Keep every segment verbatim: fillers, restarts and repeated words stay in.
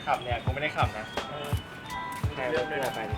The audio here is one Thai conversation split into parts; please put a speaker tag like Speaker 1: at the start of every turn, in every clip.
Speaker 1: ขับเนี่ยกูไม่ได้ขับนะเรื่องด้วยนะไป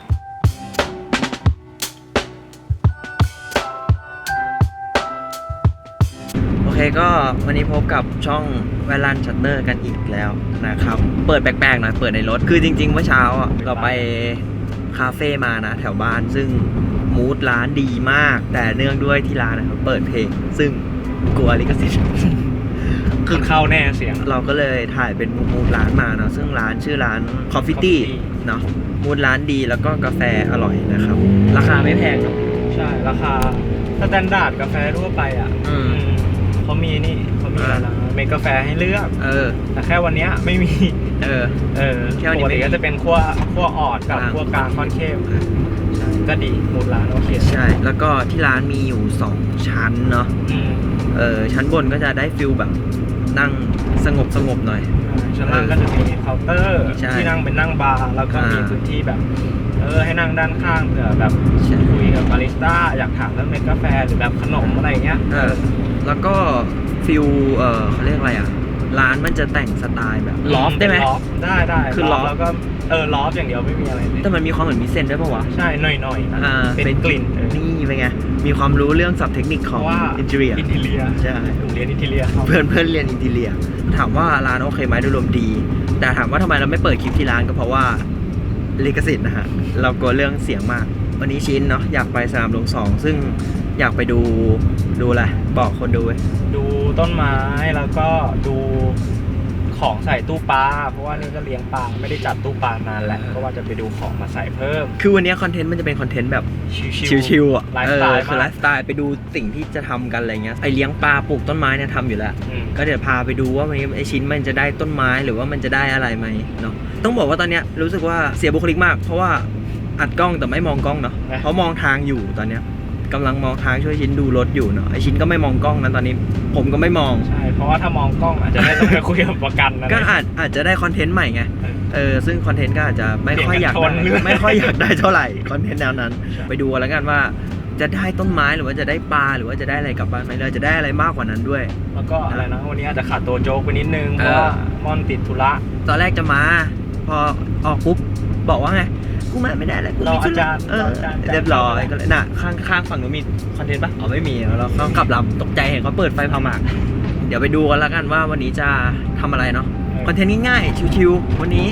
Speaker 2: โอเคก็วันนี้พบกับช่องแวลันชัตเตอร์กันอีกแล้วนะครับเปิดแปลกๆหน่อยเปิดในรถคือจริงๆเมื่อเช้าเราไปคาเฟ่มานะแถวบ้านซึ่งมูดร้านดีมากแต่เนื่องด้วยที่ร้านนะครับเปิดเพลงซึ่งกลัวลิขสิทธิ์
Speaker 1: คือเข้าแน่เสียง
Speaker 2: เราก็เลยถ่ายเป็นมูดร้านมาเนาะซึ่งร้านชื่อร้าน Coffee Tea เนาะมูดร้านดีแล้วก็กาแฟอร่อยนะครับราคาไม่แพงเนาะ
Speaker 1: ใช่ราคาสแตนดาร์ดกาแฟทั่วไปอ่ะเขามีนี่เขามีอะไรนะเมกาแฟให้เลือกเออแต่แค่วันนี้ไม่มีเออเออปกติก็จะเป็นขั้วขั้วอ่อนกับขั้วกลางค่อนเข้มก็ดีหมดร้านโอเค
Speaker 2: ใช่แล้วก็ที่ร้านมีอยู่สองชั้นเนาะเออชั้นบนก็จะได้ฟิลแบบนั่งสงบสงบหน่อย
Speaker 1: ชั้นล่างก็จะมีเคาน์เตอร์ที่นั่งเป็นนั่งบาร์แล้วก็มีพื้นที่แบบเออให้นั่งด้านข้างเผื่อแบบคุยกับบาริสต้าอยากถามเรื่องเมกาแฟหรือแบบขนมอะไรเงี้ย
Speaker 2: เออแล้วก็ฟิลเออเขาเรียกอะไรอ่ะร้านมันจะแต่งสไตล์แบบลอฟได้ไหม
Speaker 1: ได้ได้คือลอฟแล้วก็เออลอฟอย่างเดียวไม่มีอะไร
Speaker 2: แต่มันมีความเหมือนมิเซนด้วยป่าวะ
Speaker 1: ใช่หน่อยหน่อยเป็นกลิ่น
Speaker 2: นี่เป็นไงมีความรู้เรื่องศัพท์เทคนิคของอินเทเรีย
Speaker 1: อินเทเรีย
Speaker 2: ใช่
Speaker 1: เรียนอินเทเรีย
Speaker 2: เพื่อนเพื่อนเรียนอินเทเรียถามว่าร้านโอเคไหมโดยรวมดีแต่ถามว่าทำไมเราไม่เปิดคลิปที่ร้านก็เพราะว่าลิขสิทธิ์นะฮะเรากลัวเรื่องเสียงมากวันนี้ชิ้นเนาะอยากไปสนามหลวงสองซึ่งอยากไปดูดูอะไรบอกคนดู
Speaker 1: ดูต้นไม้แล้วก็ดูของใส่ตู้ปลาเพราะว่านี่ก็เลี้ยงปลาไม่ได้จัดตู้ปลานานแล้วก็ว่าจะไปดูของมาใส่เพิ่ม
Speaker 2: คือวันนี้คอนเทนต์มันจะเป็นคอนเทนต์แบบชิวๆอ่ะไลฟ์สไตล์คือไลฟ์สไตล์ไปดูสิ่งที่จะทำกันอะไรเงี้ยไอเลี้ยงปลาปลูกต้นไม้เนี่ยทำอยู่แล้วก็เดี๋ยวพาไปดูว่าวันนี้ไอชิ้นมันจะได้ต้นไม้หรือว่ามันจะได้อะไรไหมเนาะต้องบอกว่าตอนเนี้ยรู้สึกว่าเสียบุคลิกมากเพราะว่าอัดกล้องแต่ไม่มองกล้องเนาะเพราะมองทางอยู่ตอนเนี้ยกำลังมองทางช่วยชิ้นดูรถอยู่เนาะไอชิ้นก็ไม่มองกล้องนั้นตอนนี้ผมก็ไม่มอง
Speaker 1: ใช่เพราะว่าถ้ามองกล้องอาจจะได้ต้องไปคุยกับประกันนะ
Speaker 2: ก็อาจอาจจะได้คอนเทนต์ใหม่ไงเออซึ่งคอนเทนต์ก็อาจจะไม่ค่อยอยากได้ไม่ค่อยอยากได้เท่าไหร่คอนเทนต์แนวนั้นไปดูแล้วกันว่าจะได้ต้นไม้หรือว่าจะได้ปลาหรือว่าจะได้อะไรกลับบ้านไหมเราจะได้อะไรมากกว่านั้นด้วย
Speaker 1: แล้วก็อะไรนะวันนี้อาจจะขาดตัวโจ๊กไปนิดนึงเพราะว่ามอนติดธุระ
Speaker 2: ตอนแรกจะมาพอออกปุ๊บบอกว่าไงกูมาไม่ได้แล้วกู
Speaker 1: มีอาจารย์
Speaker 2: เรียบร้อยก็เลยน่ะข้างข้างฝั่งนู้นมีคอนเทนต์ปะอ๋อไม่มีเราเขากลับลำตกใจเห็นเขาเปิดไฟพาหมากเดี๋ยวไปดูกันแล้วกันว่าวันนี้จะทำอะไรเนาะคอนเทนต์ง่ายๆชิวๆวันนี้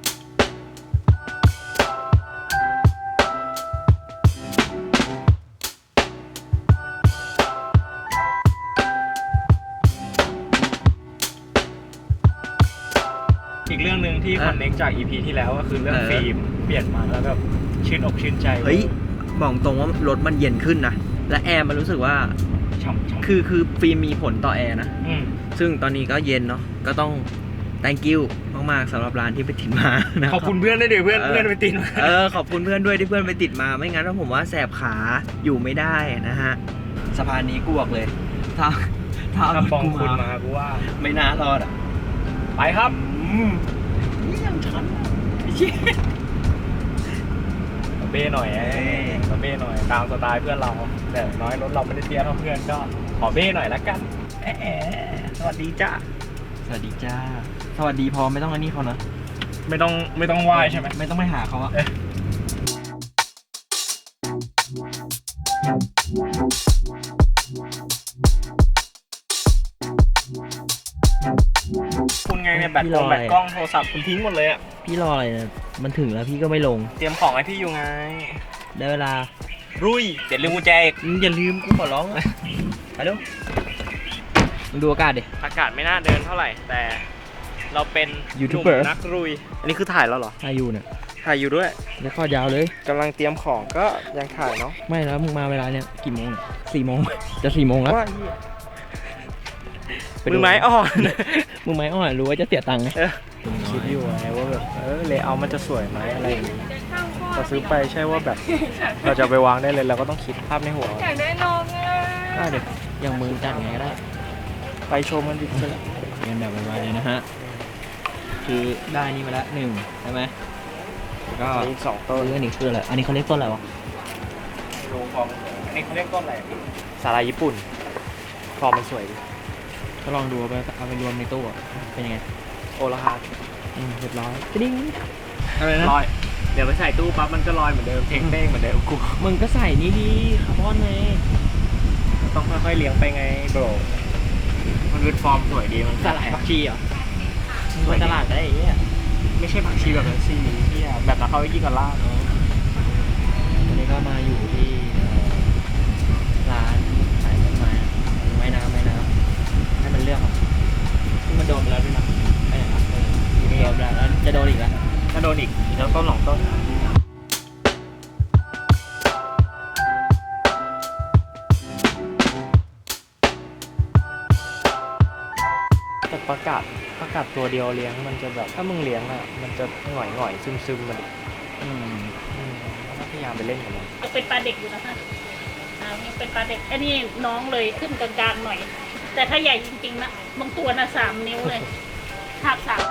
Speaker 1: อีกเรื่องหนึ่งที่คอนเน็กจาก อี พี ที่แล้วก็คือเรื่องฟิล์มเปลี่ยนมาแล้วแบบชื่นอกชื่นใจ
Speaker 2: เฮ้ยบอกตรงว่ารถมันเย็นขึ้นนะและแอร์มันรู้สึกว่าคือคือฟิล์มมีผลต่อแอร์นะซึ่งตอนนี้ก็เย็นเนาะก็ต้อง thank you มากๆสำหรับร้านที่ไปติดมานะ
Speaker 1: ขอบคุณเพื่อนด้วยดิเพื่อนเพื่อนไปติดมา
Speaker 2: เออขอบคุณเพื่อนด้วยที่เพื่อนไปติดมาไม่งั้นผมว่าแสบขาอยู่ไม่ได้นะฮะสะพานนี้กูบอกเลยถ้า
Speaker 1: ถ้าปองคุณมากูว่า
Speaker 2: ไม่น่ารอดอ่ะ
Speaker 1: ไปครับ
Speaker 2: นี่ยังชัน
Speaker 1: เบ้หน่อยเบ้หน่อยตามสไตล์เพื่อนเราแต่น้อยรถเราไม่ได้เตี้ยเท่าเพื่อนก็ขอเบ้หน่อยละกันสวัสดีจ้า
Speaker 2: สวัสดีจ้าสวัสดีพอไม่ต้องอันนี้เขานะ
Speaker 1: ไม่ต้องไม่ต้องไหว้ใช่ไหม
Speaker 2: ไม่ต้องไปหาเขาอะ
Speaker 1: คุณไงเนี่ยแบตกล้องแบตกล้องโทรศัพท์คุณทิ้งหมดเลยอ่ะ
Speaker 2: พี่รออะไรเนี่ยมันถึงแล้วพี่ก็ไม่ลง
Speaker 1: เตรียมของให้พี่อยู่ไง
Speaker 2: ได้เวลา
Speaker 1: รุยเดี๋ยวลืมกุญแจ
Speaker 2: อย่าลืมกูขอร้องไปดูดูอากาศดิ
Speaker 1: อากาศไม่น่าเดินเท่าไหร่แต่เราเป็น
Speaker 2: ยูทูบเบอร์
Speaker 1: นักรุยอันนี้คือถ่ายแล้วเหรอ
Speaker 2: ถ่ายอยู่เนี่ย
Speaker 1: ถ่ายอยู่ด้วย
Speaker 2: แล้วข้อยาวเลย
Speaker 1: กำลังเตรียมของก็ยังถ่ายเนาะ
Speaker 2: ไม่แล้วมึงมาเวลาเนี้ยกี่โมงสี่โมงจะสี่โมงแล้ว
Speaker 1: มือไม้อ่อน
Speaker 2: มือไม้อ่อนรู้ว่าจะเสียตังค์ไง
Speaker 1: คิดอยู่ไงว่าแบบเออเลเยอร์มันจะสวยไหมอะไรอย่างงี้พอซื้อไปใช่ว่าแบบเราจะไปวางได้เลยเราก็ต้องคิดภาพในหัว
Speaker 3: อยากได้น้องอ่ะ
Speaker 2: ได้เด็กอย่างมึงจัดไงก็ได้
Speaker 1: ไปโชว์มันดิเสร็จแล้ว
Speaker 2: เรียนแบบไวๆเลยนะฮะคือได้นี่มาแล้วหนึ่งใช่ไหมก็
Speaker 1: อีกสองต้น
Speaker 2: อันนี้คืออะไรอันนี้เขาเรียกต้นอะไรวะ
Speaker 1: ดูฟอร์มอันนี้เขาเรียกต้นอะไรสาลายญี่ปุ่นฟอร์มมันสวยดิ
Speaker 2: ก็ลองดูไปเอาไปรวมในตู้เป็นยังไง
Speaker 1: โอละฮา
Speaker 2: อืมเรียบร้อยดิ้ง
Speaker 1: อะไรนะลอยเดี๋ยวไปใส่ตู้ปั๊บมันก็ลอยเหมือนเดิมเท่งเต้งเหมือนเดิมกู
Speaker 2: มึงก็ใส่นี่ดีคาร์บอนไง
Speaker 1: ต้องค่อยๆเลี้ยงไปไงโบรมันเป็นฟอร์มสวยดีมัน
Speaker 2: ตลาดผักชีเหรอสวยตลาดได้ยังไง
Speaker 1: ไม่ใช่ผักชีแบบนั้นสิที่แบบนั้นเขาไม่กินกับลาบ
Speaker 2: วันนี้ก็มาอยู่ที่ร้านขายต้นไม้ไม้น้ำไม้น้ำให้มันเลือกครับซึ่งมันโดนไปแล้วด้วยนะไอ้ไหนครับโดนแล้วจะโดนอีกแล้ว
Speaker 1: ถ้าโดนอีกอีกแล้วต้นหลงต้นแต่ประกาศประกาศตัวเดียวเลี้ยงมันจะแบบถ้ามึงเลี้ยงอ่ะมันจะหง่อยหง่อยซึมซึมมันอืมอืมพยายามไปเล่นกับมัน
Speaker 3: เป็นปลาเด็กอยู่นะคะอ่ายังเป็นปลาเด็กอันนี้น้องเลยขึ้นกลางๆหน่อยแต่ถ้าใหญ่จริงๆนะบางตัวนะสามนิ้วเลยหักสาม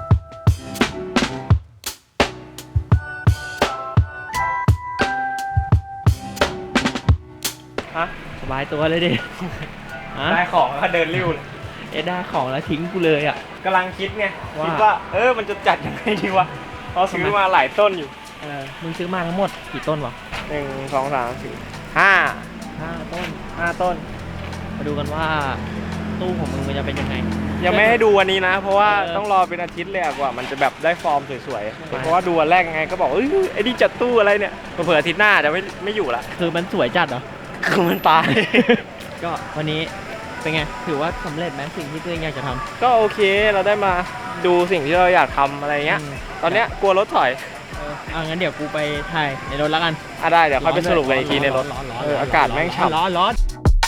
Speaker 1: ฮะ
Speaker 2: สบายตัวเลยดิ
Speaker 1: ได้ของแล้วเดินริ้วเลย
Speaker 2: เอ็ดได้ของแล้วทิ้งกูเลยอ่ะ
Speaker 1: กำลังคิดไงคิดว่าเออมันจะจัดยังไงดีวะเราซื้อมาหลายต้นอยู่
Speaker 2: เออมึงซื้อมาทั้งหมดกี่ต้นวะ
Speaker 1: หนึ่งสองสามสี่ห้า
Speaker 2: ห้าต้น
Speaker 1: ห้าต้น
Speaker 2: มาดูกันว่าตู้ของมึงมันจะเป็นยังไง
Speaker 1: ยังไม่ให้ดูวันนี้นะเพราะว่าต้องรอเป็นอาทิตย์เลยกว่ามันจะแบบได้ฟอร์มสวยๆเพราะว่าดูวันแรกไงก็บอกเอ้ยไอ้นี่จัดตู้อะไรเนี่ยเผื่ออาทิตย์หน้าจะไม่ไม่อยู่ละ
Speaker 2: คือมันสวยจัดเหรอ
Speaker 1: คือมันตาย
Speaker 2: ก็วันนี้เป็นไงถือว่าสำเร็จไหมสิ่งที่ตัวเองอยากจะทำ
Speaker 1: ก็โอเคเราได้มาดูสิ่งที่เราอยากทำอะไรเงี้ยตอนเนี้ยกลัวรถถอย
Speaker 2: เออเอางั้นเดี๋ยวกูไปถ่ายในรถแล้วกัน
Speaker 1: อ่ะได้เดี๋ยวค่อยไปสรุปกันอีกทีในรถเอออากาศแม่งฉ่ำ
Speaker 2: ร้อนร้อน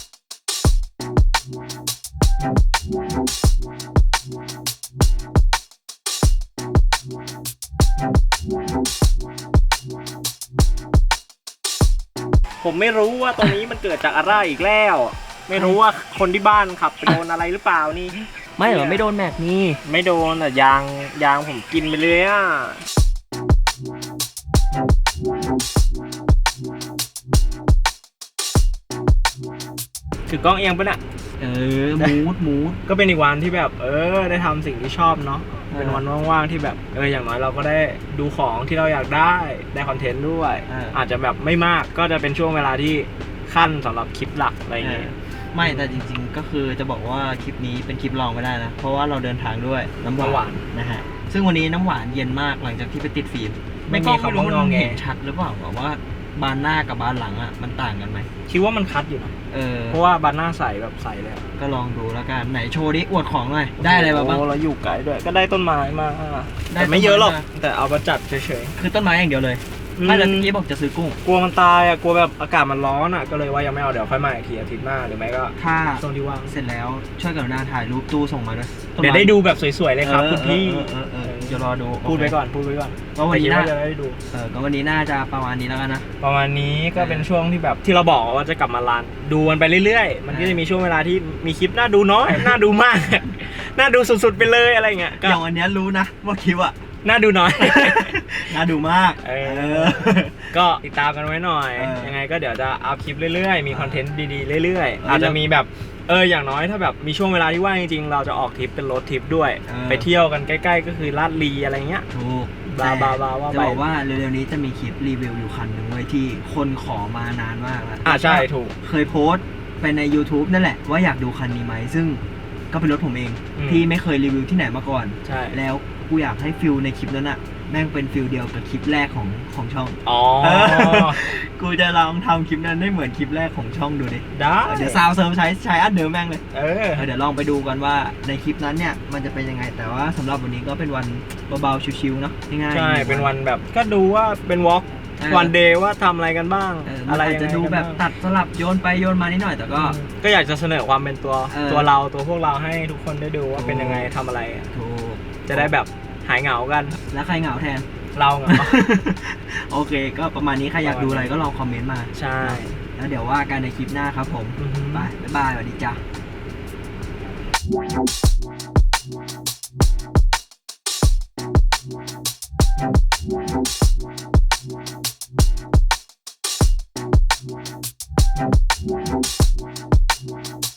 Speaker 1: ผมไม่รู้ว่าตรงนี้มันเกิดจากอะไรอีกแล้วไม่รู้ว่าคนที่บ้านขับไปโดนอะไรหรือเปล่านี่
Speaker 2: ไม่เหรอไม่โดนแม็กนี่
Speaker 1: ไม่โดนแต่ยางยางผมกินไปเลยอ่ะถือกล้องเอียงปะเนี่ย
Speaker 2: เออมูดมูด
Speaker 1: ก็เป็นอีกวันที่แบบเออได้ทำสิ่งที่ชอบเนาะเป็นวันว่างๆที่แบบเอออย่างน้อยเราก็ได้ดูของที่เราอยากได้ได้คอนเทนต์ด้วยอาจจะแบบไม่มากก็จะเป็นช่วงเวลาที่ขั้นสำหรับคลิปหลักอะไรอย่างเงี้ย
Speaker 2: ไม่แต่จริงๆก็คือจะบอกว่าคลิปนี้เป็นคลิปลองไม่ได้นะเพราะว่าเราเดินทางด้วยน้ำหวานนะฮะซึ่งวันนี้น้ำหวานเย็นมากหลังจากที่ไปติดฟิล์มไม่มีคำว่างอแงเห็นชัดหรือเปล่าว่าบานหน้ากับบานหลังอ่ะมันต่างกันไหม
Speaker 1: คิดว่ามันคัดอยู่นะ
Speaker 2: เออ
Speaker 1: เพราะว่าบานหน้าใสแบบใสเลย
Speaker 2: ก็ลองดูแล้วกันไหนโชว์ดิอวดของหน่อยได้อะไรบ้าง
Speaker 1: เราอยู่ไกลด้วยก็ได้ต้นไม้มาแต่ไม่เยอะหรอกแต่เอามาจัดเฉย
Speaker 2: ๆคือต้นไม้อย่างเดียวเลยไม่แล้วเมื่อกี้บอกจะซื้อกุ้ง
Speaker 1: กลัวมันตายอ่ะกลัวแบบอากาศมันร้อนอ่ะก็เลยว่ายังไม่เอาเดี๋ยวค่อยมาอีกทีอาทิตย์หน้าหรือไม่ก็
Speaker 2: ถ้า
Speaker 1: ตรงที่ว่าง
Speaker 2: เสร็จแล้วช่วยกรุณาถ่ายรูปตู้ส่งมาด้วย
Speaker 1: เดี๋ยวได้ดูแบบสวยๆเลยครับคุณพี่
Speaker 2: เดี๋ยวรอดู
Speaker 1: พูดไปก่อนพูดไปก่อน
Speaker 2: ก็วันนี้น่า
Speaker 1: จะได้ดู
Speaker 2: เออก็วันนี้น่าจะประมาณนี้แล้วกันนะ
Speaker 1: ประมาณนี้ก็เป็นช่วงที่แบบที่เราบอกว่าจะกลับมารันดูมันไปเรื่อยๆมันก็จะมีช่วงเวลาที่มีคลิปน่าดูน้อยน่าดูมากน่าดูสุดๆไปเลยอะไรเงี้ย
Speaker 2: อย่างวันนี้รู้นะว่าคลิปอะ
Speaker 1: น่าดูน้อย
Speaker 2: น่าดูมาก
Speaker 1: เออก็ติดตามกันไว้หน่อยยังไงก็เดี๋ยวจะอัพคลิปเรื่อยๆมีคอนเทนต์ดีๆเรื่อยๆอาจจะมีแบบเอออย่างน้อยถ้าแบบมีช่วงเวลาที่ว่างจริงๆเราจะออกทริปเป็นรถทริปด้วยไปเที่ยวกันใกล้ๆก็คือลาดลีอะไรเงี้ย
Speaker 2: ถูก
Speaker 1: บลาบลาบลาว่า
Speaker 2: จะบอกว่าเร็วๆนี้จะมีคลิปรีวิวอยู่คันหนึ่งไว้ที่คนขอมานานมากแล้ว
Speaker 1: อ่าใช่ถูก
Speaker 2: เคยโพสต์ไปใน YouTube นั่นแหละว่าอยากดูคันนี้ไหมซึ่งก็เป็นรถผมเองที่ไม่เคยรีวิวที่ไหนมาก่อน
Speaker 1: ใช่
Speaker 2: แล้วกูอยากให้ฟิลในคลิปนั้นอะแม่งเป็นฟิลเดียวกับคลิปแรกของของช่อง
Speaker 1: อ๋อ
Speaker 2: กูจะลองทำคลิปนั้นให้เหมือนคลิปแรกของช่องดูดิ
Speaker 1: ได้
Speaker 2: เดี๋ยวซาวเซิร์ฟใช้ใช้อันเดิมแม่งเลย
Speaker 1: เออ
Speaker 2: เดี๋ยวลองไปดูกันว่าในคลิปนั้นเนี่ยมันจะเป็นยังไงแต่ว่าสำหรับวันนี้ก็เป็นวันเบาๆชิวๆเนาะง่าย
Speaker 1: ๆใช่เป็นวันแบบก็ดูว่าเป็นวอล์กวันเดย์ว่าทำอะไรกันบ้าง
Speaker 2: อะไรจะดูแบบตัดสลับโยนไปโยนมานิดหน่อยแต่ก็
Speaker 1: ก็อยากจะเสนอความเป็นตัวตัวเราตัวพวกเราให้ทุกคนได้ดูว่าเป็นยังไงทำอะไร
Speaker 2: ถูก
Speaker 1: จะได้แบบหายเหงากัน
Speaker 2: แล้วใครเหงาแทน
Speaker 1: เราเหงา
Speaker 2: โอเคก็ประมาณนี้ใครอยากดูอะไรก็ลองคอมเมนต์มา
Speaker 1: ใช่
Speaker 2: แล้วเดี๋ยวว่ากันในคลิปหน้าครับผมบายบายสวัสดี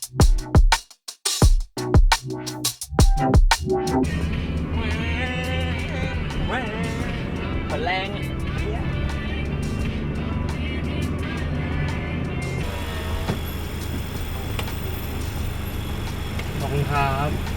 Speaker 2: จ้า
Speaker 1: คุณครับ